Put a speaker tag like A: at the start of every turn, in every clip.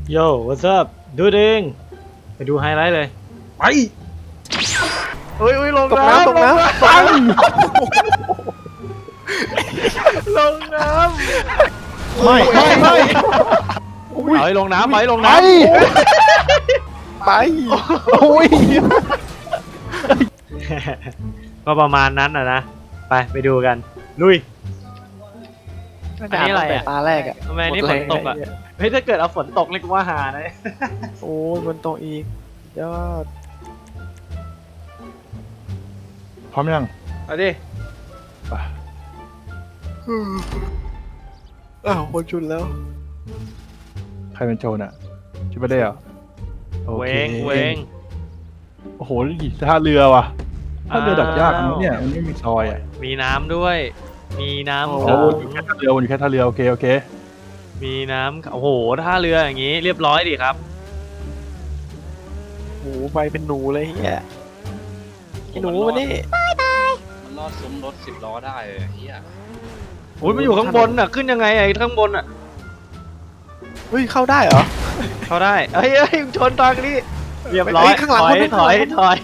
A: โย่ what's up ดูเองไปดูไฮไลท์เลยไปเฮ้ยลงน้ำ
B: ตกน้ำ
A: ปังลงน้ำไม่เอาให้ลงน้ำไป
B: ไป
A: โอ้ยก็ประมาณนั้นนะไปดูกันลุยอันนี้อะไรอ่ะ
B: ตาแรกอ่ะ
A: ทำไมนี่ฝนตกอ่ะเฮ้ยถ้าเกิดเอาฝนตกเลยกูว่าหานะ
B: โอ้ยฝนตกอีกยอด
C: พร้อมยัง
A: เอาดิ
C: ไป
B: อ้าวคนชุนแล้ว
C: ใครเป็นโจรอ่ะชิบะเด้เหรอ
A: เวง
C: โอ้โหท่าเรือว่ะท่าเรือดักยากนะเนี่ยมันไม่มีซอยอ่ะ
A: มีน้ำด้วยมีน้ำ
C: โอ้อยู่แค่ท่าเรืออยู่แค่ท่าเรือโอเค
A: มีน้ำโอ้โหท่าเรืออย่างงี้เรียบร้อยดิครับ
B: โอ้ไปเป็นหนูเลยเฮียหนูมานี่
D: มันรอดซุ้มรถ10 ล้อได้เลยเฮีย
A: โอ้ยมันอยู่ข้างบนอ่ะขึ้นยังไงไอ้ข้างบนอ่ะ
B: เฮ้ยเข้าได้เหรอ
A: เข้าได้เฮ้ยชนตอนนี้เรียบร้อย
B: ข้างหลัง
A: ถอย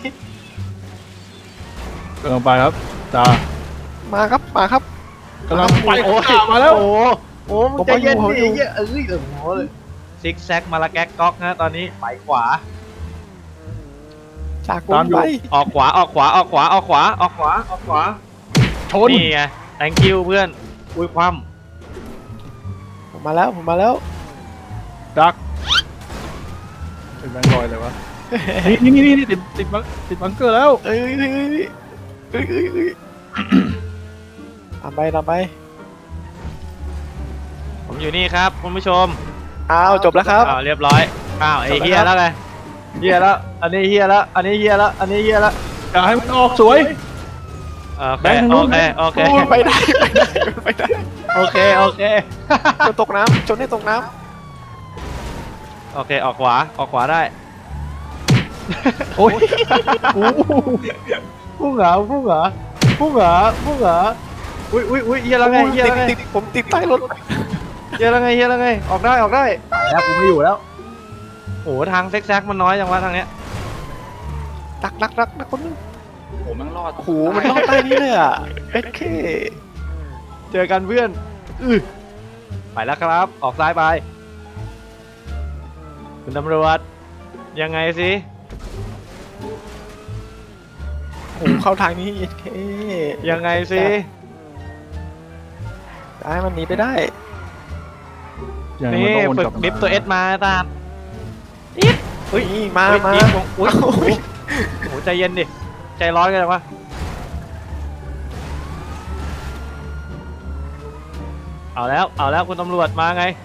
C: กำลังไปครับจ้า
B: มาครับ
C: กำลังไป
A: โอ้ย
C: มาแล้ว
A: โอ้มึงใจเย็นดิโอ้โหซิกแซกมาละแก๊กก๊อกนะตอนนี้ไปขวา
B: จากตามไป
A: ออกขวา
C: ชน
A: นี่ไง thank you เพื่อนอุ้ยคว่
B: ำผมมาแล้ว
C: ดักเป็นแบงค์ลอยเลยวะนี่ติดบังเกอร์แล้ว
B: เอ้ยตามไป
A: ผมอยู่นี่ครับคุณผู้ชม
B: อ้าวจบแล้วครับ
A: เรียบร้อยไอ้เฮียแล้วไงเฮียแล้วอันนี้เฮียแล้ว
C: อย่าให้มันออกสวย
A: โอเค
B: ไปได้
A: โอเค
B: จนตกน้ำจนได้ตกน้
A: ำโอเคออกขวาได้
C: โอ้ย
A: พุ่งเหรออุ้ยเฮียแล้วไง
B: ผมติดใต้รถ
A: เฮียแล้วไงออกได้แล้วกูไม่อยู่แล้วโอ้ทางแซกมันน้อยจังวะทางเนี้ย
B: รักคนนึง
D: โอ้มันรอด
B: โอ้โหมันรอดใต้นี้เลยอ่ะโอเค
A: เจอกันเพื่อนไปแล้วครับออกซ้ายไปคุณตำรวจยังไงสิ
B: โอ้เข้าทางนี้
A: ยังไงสิ
B: ได้มันหนีไปได้
A: นี่ฝึกดิฟตัวเอสมาตาม
B: อุ้ยมา
A: อุ้ยโหใจเย็นดิใจร้อนกันจังวะเอาแล้วคุณตำรวจมาไง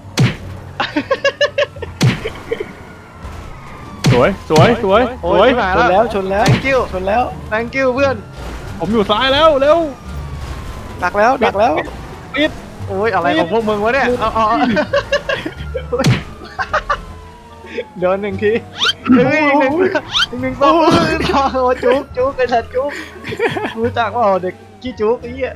C: สวย
A: ชนแล้ว thank you เพื่อน
C: ผมอยู่ซ้ายแล้วเร็ว
B: ดักแล้ว
C: ปิด
A: โอ้ยอะไรของพวกมึงวะเนี่ยเอาเดินหนึ่งทีหนึ่งสองโอ้จุกไอ้สัตว์จุกรู้จักว่าเด็กกี้จุกไอ้เหี้ย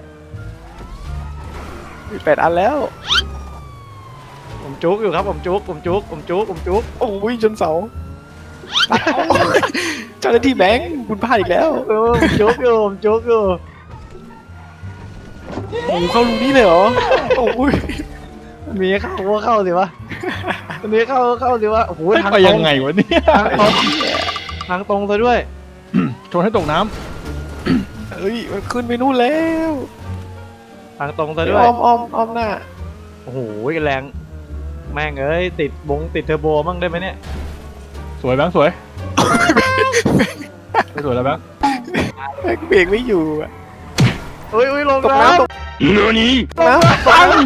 B: 8 อันแล้ว
A: ผมจุกอยู่ครับผมจุก
B: โอ้ยจนเสาเจ้าหน้าที่แบงค์คุณพลาดอีกแล้ว
A: ผมจุกอยู่
B: โอ้เข้ารูนี้เลยเหรอโอ้ย
A: มีเข้าสิวะอันนี้เข้าสิวะโอ้โหทาง
C: ไปยังไงวะเนี่ย
A: ทางตรงซะด้วย
C: ชนให้ตกน้
B: ำเฮ้ยมันขึ้นไปนู่นแล้ว
A: ทางตรงซะด้วย
B: อ้อมหน้า
A: โอ้โหแรงแม่งเอ้ยติดเทอร์โบมั่งได้ไหมเนี่ย
C: สวยแบงค์สวยไม่สวยแล้วแบงค์
B: เบรกไม่อยู่อ่ะ
A: อุ้ยลงน้ำ
C: เนื้อนี้
B: ปัง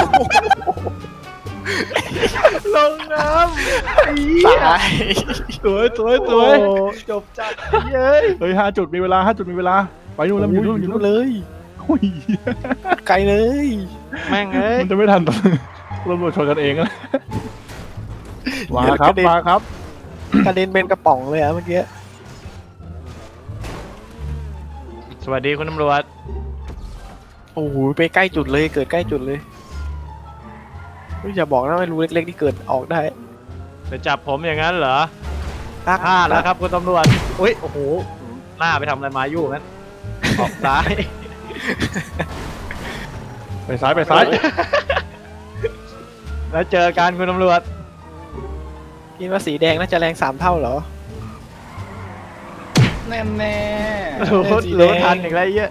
A: ลงน้ำ
B: ตาย
C: สวย
A: จบจัดเฮ้
C: ย5 จุดมีเวลาไปนู่นแล้วอยู่นู่น
B: เลยไกลเลย
A: แม่งเอ้ย
C: มันจะไม่ทันตำรวจชนกันเองนะมาครับ
B: กระเด็นเป็นกระป๋องเลยอะเมื่อกี้
A: สวัสดีคุณตำรวจ
B: โอ้โหไปใกล้จุดเลยเกิดใกล้จุดเลยอย่าบอกนะไม่รู้เล็กๆที่เกิดออกได้
A: จะจับผมอย่างนั้นเหรอ
B: ดัก
A: พลาดแล้วครับคุณตำรวจอุ้ยโอ้โหหน้าไปทำอะไรมาอยู่งั้นออกซ้าย
C: ไปซ้ายไปซ้าย
A: แล้วเจอกันคุณตำรวจ
B: คิดว่าสีแดงน่าจะแรง3 เท่าเหรอ
D: แน่แน่
A: รู้ทันอีกแล้วไอ้เหี้ย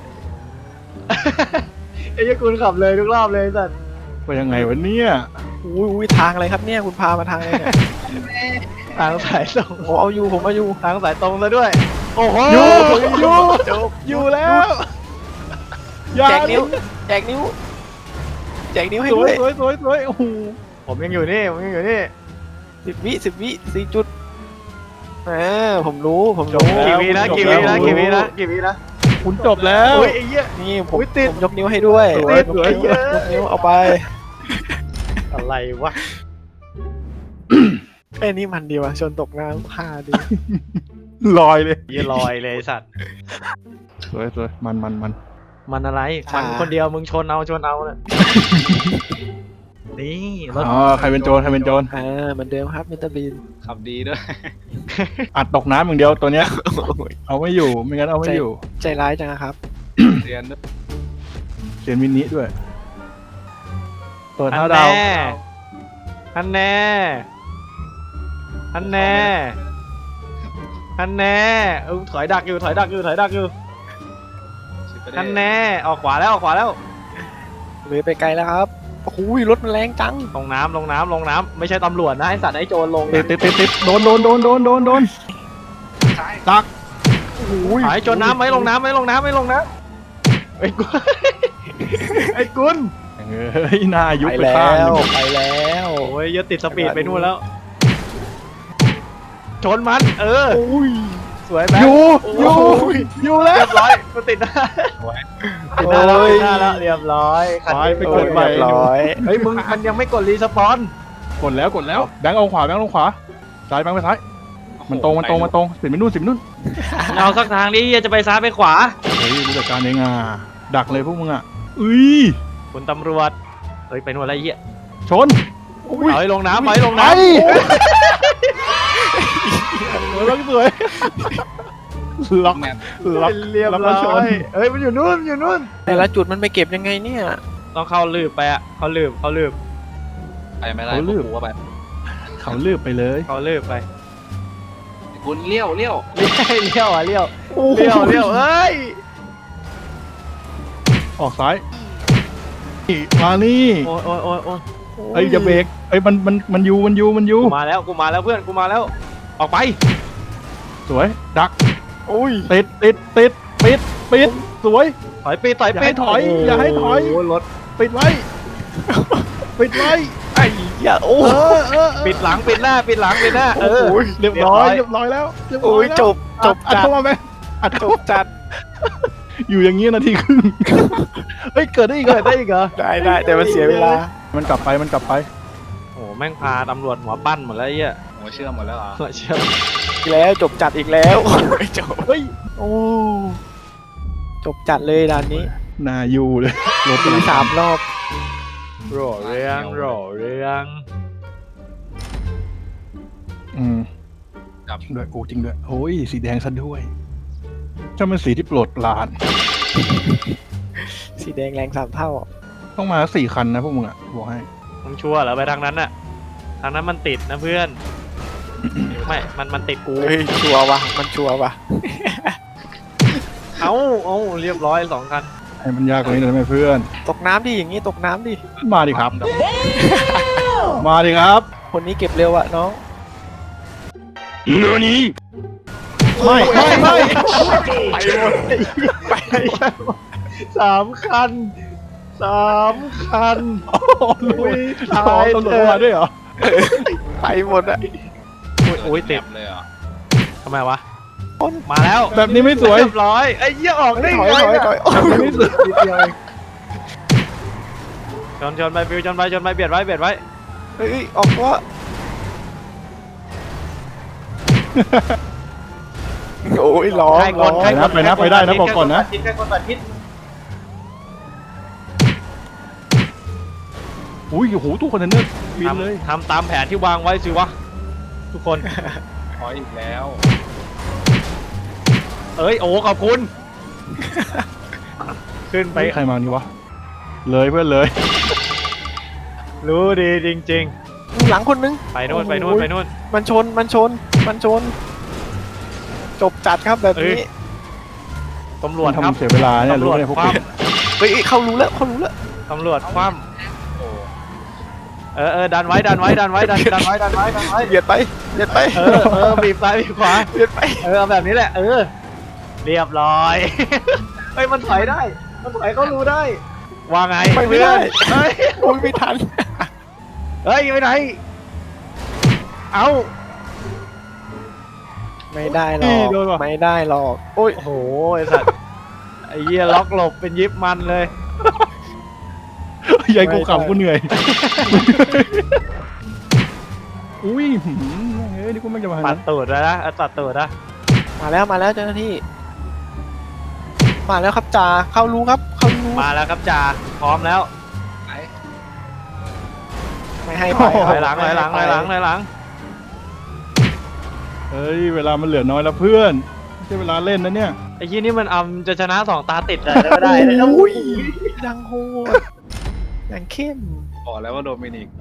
A: ไอ้เหี้ยคุณขับเลยทุกรอบเลยสัตว์
C: ไปยังไงวะเนี่ย
B: อุ้ยทางอะไรครับเนี่ยคุณพามาทางอะไรเนี่ย
A: ทางสายตรง
B: ผมเอาอยู่
A: ทางสายตรงแล้วด้วย โอ้โห
C: อยู่แล้วอย่า
B: แจกนิ้วแจกนิ้วให้
C: สว
B: ด้วย ย
C: สวยโอ้โห
A: ผมยังอยู่นี่ผมยังอยู่นี่
B: 10 วิ4 จุดผมรู้
A: กี่วินะกี่วินะกี่วินะกี่วินะ
C: คุณจบแล้ว
A: อุ้ยไอ้เหี้ย
B: นี่ผม
A: อุ๊ยติด
B: ยกนิ้วให้ด้วย
A: สวย
B: ยกนิ้
A: สวย
B: ยกนิ้วเอาไป
A: อะไรวะ
B: ไอ้นี่มันดีว่ะชนตกน้ำ5ดี
C: ลอยเลย
A: ยี่ลอยเลยสัตว์
C: สวยมัน
A: มันอะไรมันคนเดียวมึงชนเอาเนี่ยนี่รถ
C: อ๋อใครเป็นโจรเห
B: เหมือนเดิมครับมิสเตอร์บีน
D: ขับดีด้วย
C: อัดตกน้ำอย่างเดียวตัวเนี้ย เอาไม่อยู่ไม่งั้นเอาไม่อยู่
B: ใจร้ายจังอะครับ
D: เรียนด้วย
C: เขียนมินิด้วย เปิด
A: อั
C: ห้าน ดาว
A: แน่อันแน่อันแน่อันแน่ถอยดักอยู่
D: ชิปไปได้
A: อันแน่ออกขวาแล้ว
B: เลยไปไกลแล้วครับโอ้โหรถมันแรงจัง
A: ลงน้ำไม่ใช่ตำรวจนะไอสัตว์ไอโจรลง
C: ติดโดนตัก
A: หายโจรน้ำไม่ลงน้ำไอ้กุล
C: เฮ้ยหน้ายุบไปข้างหนึ่ง
B: ไปแล้ว
A: โอ้ยอย่าติดสปีดไปนู่นแล้วชนมันสวยไหม
C: อยู่แล้ว
A: เรียบร้อยกูติดหน้าแล้วเรียบร้อย
C: ไปกดใหม่
B: เรียบร้อย
A: เฮ้ยมึงมันยังไม่กดรีสปอน
C: กดแล้วแบงค์เอาขวาแบงค์ลงขวาซ้ายแบงค์ไปซ้ายมันตรงสิบไปนู่น
A: เอาสักทางนี้จะไปซ้ายไปขวา
C: เฮ้ยรู้จักการเองดักเลยพวกมึง
A: คุณตำรวจเฮ้ยไปนู่นอะไรเหี้ย
C: ชน
A: เอาให้ลงน้ำ
C: ไป
A: สวย
C: ล็อก
D: แมป
A: เรียบร้อยเฮ้ยมันอยู่นู่น
B: แต่ละจุดมันไปเก็บยังไงเนี่ย
A: ต้องเข้าลืบไปอ่ะเขาลืบ
D: ไปไม่ได้กูว่าไป
C: เขาลืบไปเลย
A: เขาลืบไป
D: คุณเลี้ยว
A: เลี้ยวเอ้ย
C: ออกซ้ายมานี่
A: โอ้ย
C: เอ้ยอย่าเบรกเอ้ยมันอยู่
A: กูมาแล้วเพื่อนกูมาแล้วออกไป
C: สวยดัก ติดปิดสวย
A: ถอยปีอย่าให้ถอย รถ
C: ปิดไว้
B: ไอ้เหี้ยโอ้
A: ปิดหลังปิดหน้าเรียบร้อย
C: แล้ว
B: โอ้ยจบ
C: อัดเข้ามาไหมอัด
B: จบจัด
C: อยู่อย่างนี้นาทีครึ่งเฮ้ยเกิดได้อีกเหรอ
B: ได้แต่มันเสียเวลา
C: มันกลับไป
A: โอ้แม่งพาตำรวจหัวปั้นหมดแล้วไอ้เหี้ย
D: หัวเชื่อมหมดแล้วเหรอ
A: เชื่อ
B: อีกแล้วจบจัดอีกแล้วจบ
C: เฮ้ย
B: จบจัดเลยด่านนี้
C: นาอยู่เลยรถ
B: มี3 รอบ
A: รอเรื่อง
D: ครับ
C: จริงด้วยจริงด้วยโอ้ยสีแดงซะด้วยถ้ามันสีที่โปรดปราน
B: สีแดงแรง3 เท่า
C: ต้องมา4 คันนะพวกมึงบอกให้
A: มึงชัวร์เหรอไปทางนั้นน่ะทางนั้นมันติดนะเพื่อนไม่มันติดกู
B: เฮ้ยชัวร์วะมันชัวร์วะ
A: เอ้าเรียบร้อย2 คัน
C: ให้มันยากกว่านี้หน่อยไหมเพื่อน
B: ตกน้ำดิอย่างนี้ตกน้ำดิ
C: มาดิครับ มาดิครับ
B: คนนี้เก็บเร็วอะน้อง
C: ไม่
A: ไป3 คันอุ้ย
C: ตายตำรวจมาด้วยเหรอ
B: ไปหมดอะ
A: โอ้ยติด
D: เลยเหรอ
A: ทำไมวะมาแล้ว
C: แบบนี้ไม่สวย
A: เรียบร้อยไอ้เหี้ยออกได้
B: ถอย
A: ไง
C: แบบนี้ไม่สวย
A: ชนไปฟิวชนไปเบียดไว้
B: เฮ้ยออกว่าโอ้ยร้อง
C: ไปได้นะบอกก่อนนะ
A: ใครคนตัดทิศ
C: อุ้ยโอ้โหตู้คอนเทนเนอร์บินเลย
A: ทำตามแผนที่วางไว้สิวะทุกคน
D: ขออีกแล้ว
A: เอ้ยโอ้ขอบคุณ ขึ้นไป
C: ใครมานี่วะเลยเพื่อนเลย
A: รู้ดีจริง
B: หลังคนนึง
A: ๆ ไปนู่นไปนู่นไปนู่น
B: มันชนมันชนมันชน จบจัดครับแบบ
A: เอ้ย
B: นี้
A: ตำรวจครับ
C: ทำเสียเวลาเนี่ย
A: ตำร
C: รู้
A: วจ
C: ไหมพวก
A: คว่
B: เฮ้ยเขารู้แล้วเขารู้แล้ว
A: ำตำรวจคว่
D: โอ้
A: ำดันไว้ดันไว้ดันไว้ดันไว้ดันไว้ดันไว้
B: เบียดไปเบียดไป
A: บีบซ้ายบีบขวา
B: เบียดไป
A: เอาแบบนี้แหละเรียบร้อย เฮ้ยมันถอยได้ มันถอยเขารู้ได้ว่าไง
B: ไปไม่ได้
A: เฮ้ย
B: โอ้ยไม่ทัน
A: เฮ้ยไปไหนเอา
B: ไม่ได้หรอกไม่ได้หรอกโอ้ย
A: โอ้โหไอสัตว์ไอ้เหี้ยล็อกหลบเป็นยิบมันเลย
C: ยายกูขำกูเหนื่อยอุ้ยเฮ้ยนี่กูไม่จะมา
A: ตัดตูดแล้วนะตัดตูดนะ
B: มาแล้วเจ้าหน้าที่ มาแล้วครับจ่าเข้ารู้ครับเข้ารู้
A: มาแล้วครับจ่าพร้อมแล้ว
D: ไหน
B: ไม่ให้ไป
A: ถอยหลังถอยหลังถอยหลังถอยหลัง
C: เฮ้ยเวลามันเหลือน้อยแล้วเพื่อนไม่ใช่เวลาเล่นนะเนี่ย
A: ไอ้ยี่นี่มันจะชนะ2 ตาติดเลยไม่ได้เลย
B: อุ้ยดังโหดดังเข้ม
D: บอกแล้วว่าโดมินิก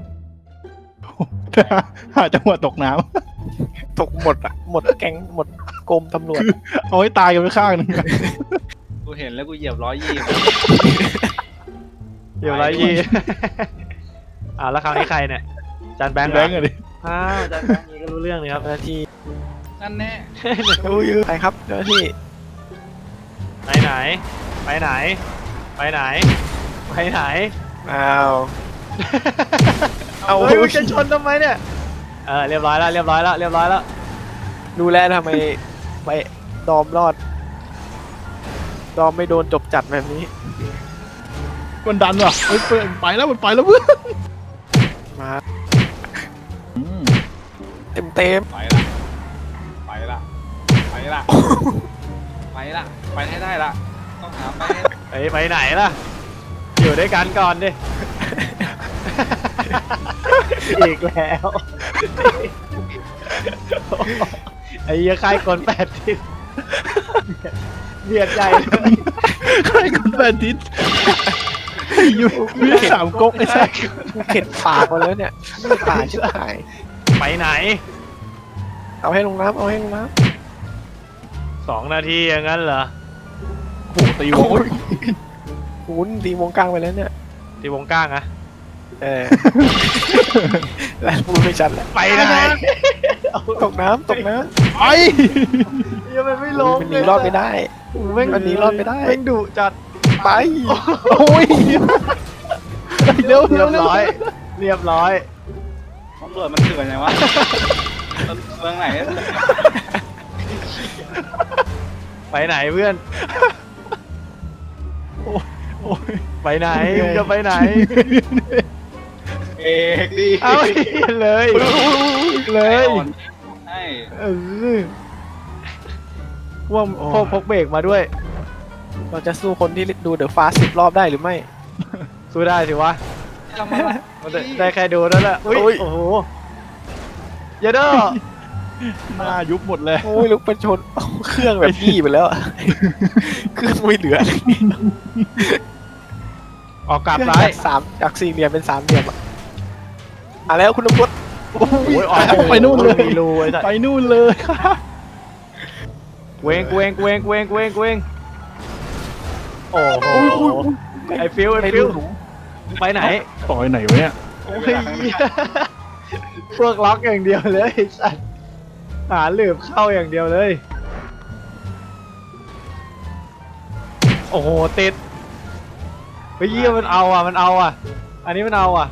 C: หาจังหวะตกน้
B: ตกหมดอ่ะหมดแก๊งหมดกรมตำรวจ
C: ำเอาให้ตายกันไปข้างหนึง
D: กูเห็นแล้วกูเหยียบ120
A: เดี๋ยวไรยี่ แล้วคราวนี้ใครเนี่ยจานแบงค์
C: แบงค์อะดิ
A: จานแบงค์นี่ก็รู้เรื่องเลยครับ
B: เจ้าหน้าที่
D: นั่นแน่
B: อุ้ยไปครับเจ้าหน้าที่
A: ไปไหน ไปไหน ไปไหน ไปไหน
B: อ้าว เอา
A: เฮ้ยมึงจะชนทำไมเนี่ย เรียบร้อยแล้วเรียบร้อยแล้วเรียบร้อยแล้ว
B: ดูแลทำไมไปดอมรอด ดอมไม่โดนจบจัดแบบนี้
C: มันดันว่ะเฮ้ยเพื่อนไปแล้วมันไปแล้วเพื่อน
B: มา
C: อืม
B: เต็มเต็ม
D: ไปละไปละไปละไปละไปให้ได้ละต้องหาไปให้
A: ไปไหนล่ะ อยู่ด้วยกันก่อนดิ อีกแล้ว ไอ้เหี้ยค่ายคน8 ทิศเบียดใหญ่เลย
C: ใครคนแฟนทิศอยู่มี3ก๊กไอ้สัส
B: กูเข็ดปากมาแล้วเนี่ยไม่ผ่านชิบหาย
A: ไปไหน
B: เอาให้ลงน้ำเอาให้ลงน้
A: 2 นาทีอย่างนั้นเหรอ
C: โอ้โหตีวง
B: ำคุณตีวงกลางไปแล้วเนี่ย
A: ที่วงก้างอะ
B: แล้วพูดไม่ชัดแล้ว
A: ไปไหน
B: ตกน้ำตกน้
C: ไอ้
A: ยังไม่ล
B: ำ
A: ง
B: มันหนีรอดไม่ได้ มันหนีรอดไม่ได้
A: แม่งดุจัด
B: ไป
C: โอ้ยเร็ว
A: เรี
C: เร็
A: ยว บ
C: เร็ว
A: ร้อย เรียบร้อย
D: ตำรวจมันเถื่อนไงวะเมืองไหน
A: ไปไหนเพื่อน
C: โอ้ย
A: ไปไหนมึงจะไปไหน
D: เอกดิ
A: เอาเลย เลย
D: ให้
A: ว่าพวกพกเบรกมาด้วย
B: เราจะสู้คนที่ดูเดอะฟาส10 รอบได้หรือไม่
A: สู้ได้สิวะ
D: ทำอะไร
A: มันได้แค่ดูนั่นแหละอุ้ยโอ้โหอย่าเด้อ
C: หน้ายุบหมดเลย
B: โอ้ยลุกเป็นชนเครื่องแบบยี่ไปแล้วอะเครื่องไม่เหลือเลย
A: ออกกลับ
B: เครื่อง
A: ซ้าย
B: จากสี่เหลี่ยมเป็น3 เหลี่ยมอะแล้วคุณตำรวจ
C: โอ้ย
A: ออก
C: ไปนู่นเลย
A: มีรูไอ้สัส
C: ไปนู่นเลย
A: เวงเวงเวงเวงเวงเวงโอ้โหไอ้ฟิวไอ้
B: ไม่
A: ฟิว
B: รู้
A: ไปไหน
C: ต่อยไหนวะเนี่ย
A: โอ้ยพวกล็อกอย่างเดียวเลยไอ้สัสหาหลืบเข้าอย่างเดียวเลย โอ้โหติดเฮ้ยเยี่ยมันเอาอ่ะมันเอาอ่ะ อันนี้มันเอาอ่ะ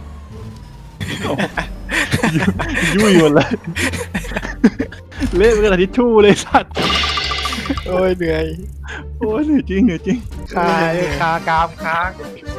C: ยุ่ยหมดเลยเละเป็นกระดาษทิชชู่เลยสัตว์
B: โอ้ยเหนื่อย
C: โอ้ยเหนื่อยจริงเหนื่อยจริง
A: คากามค้าง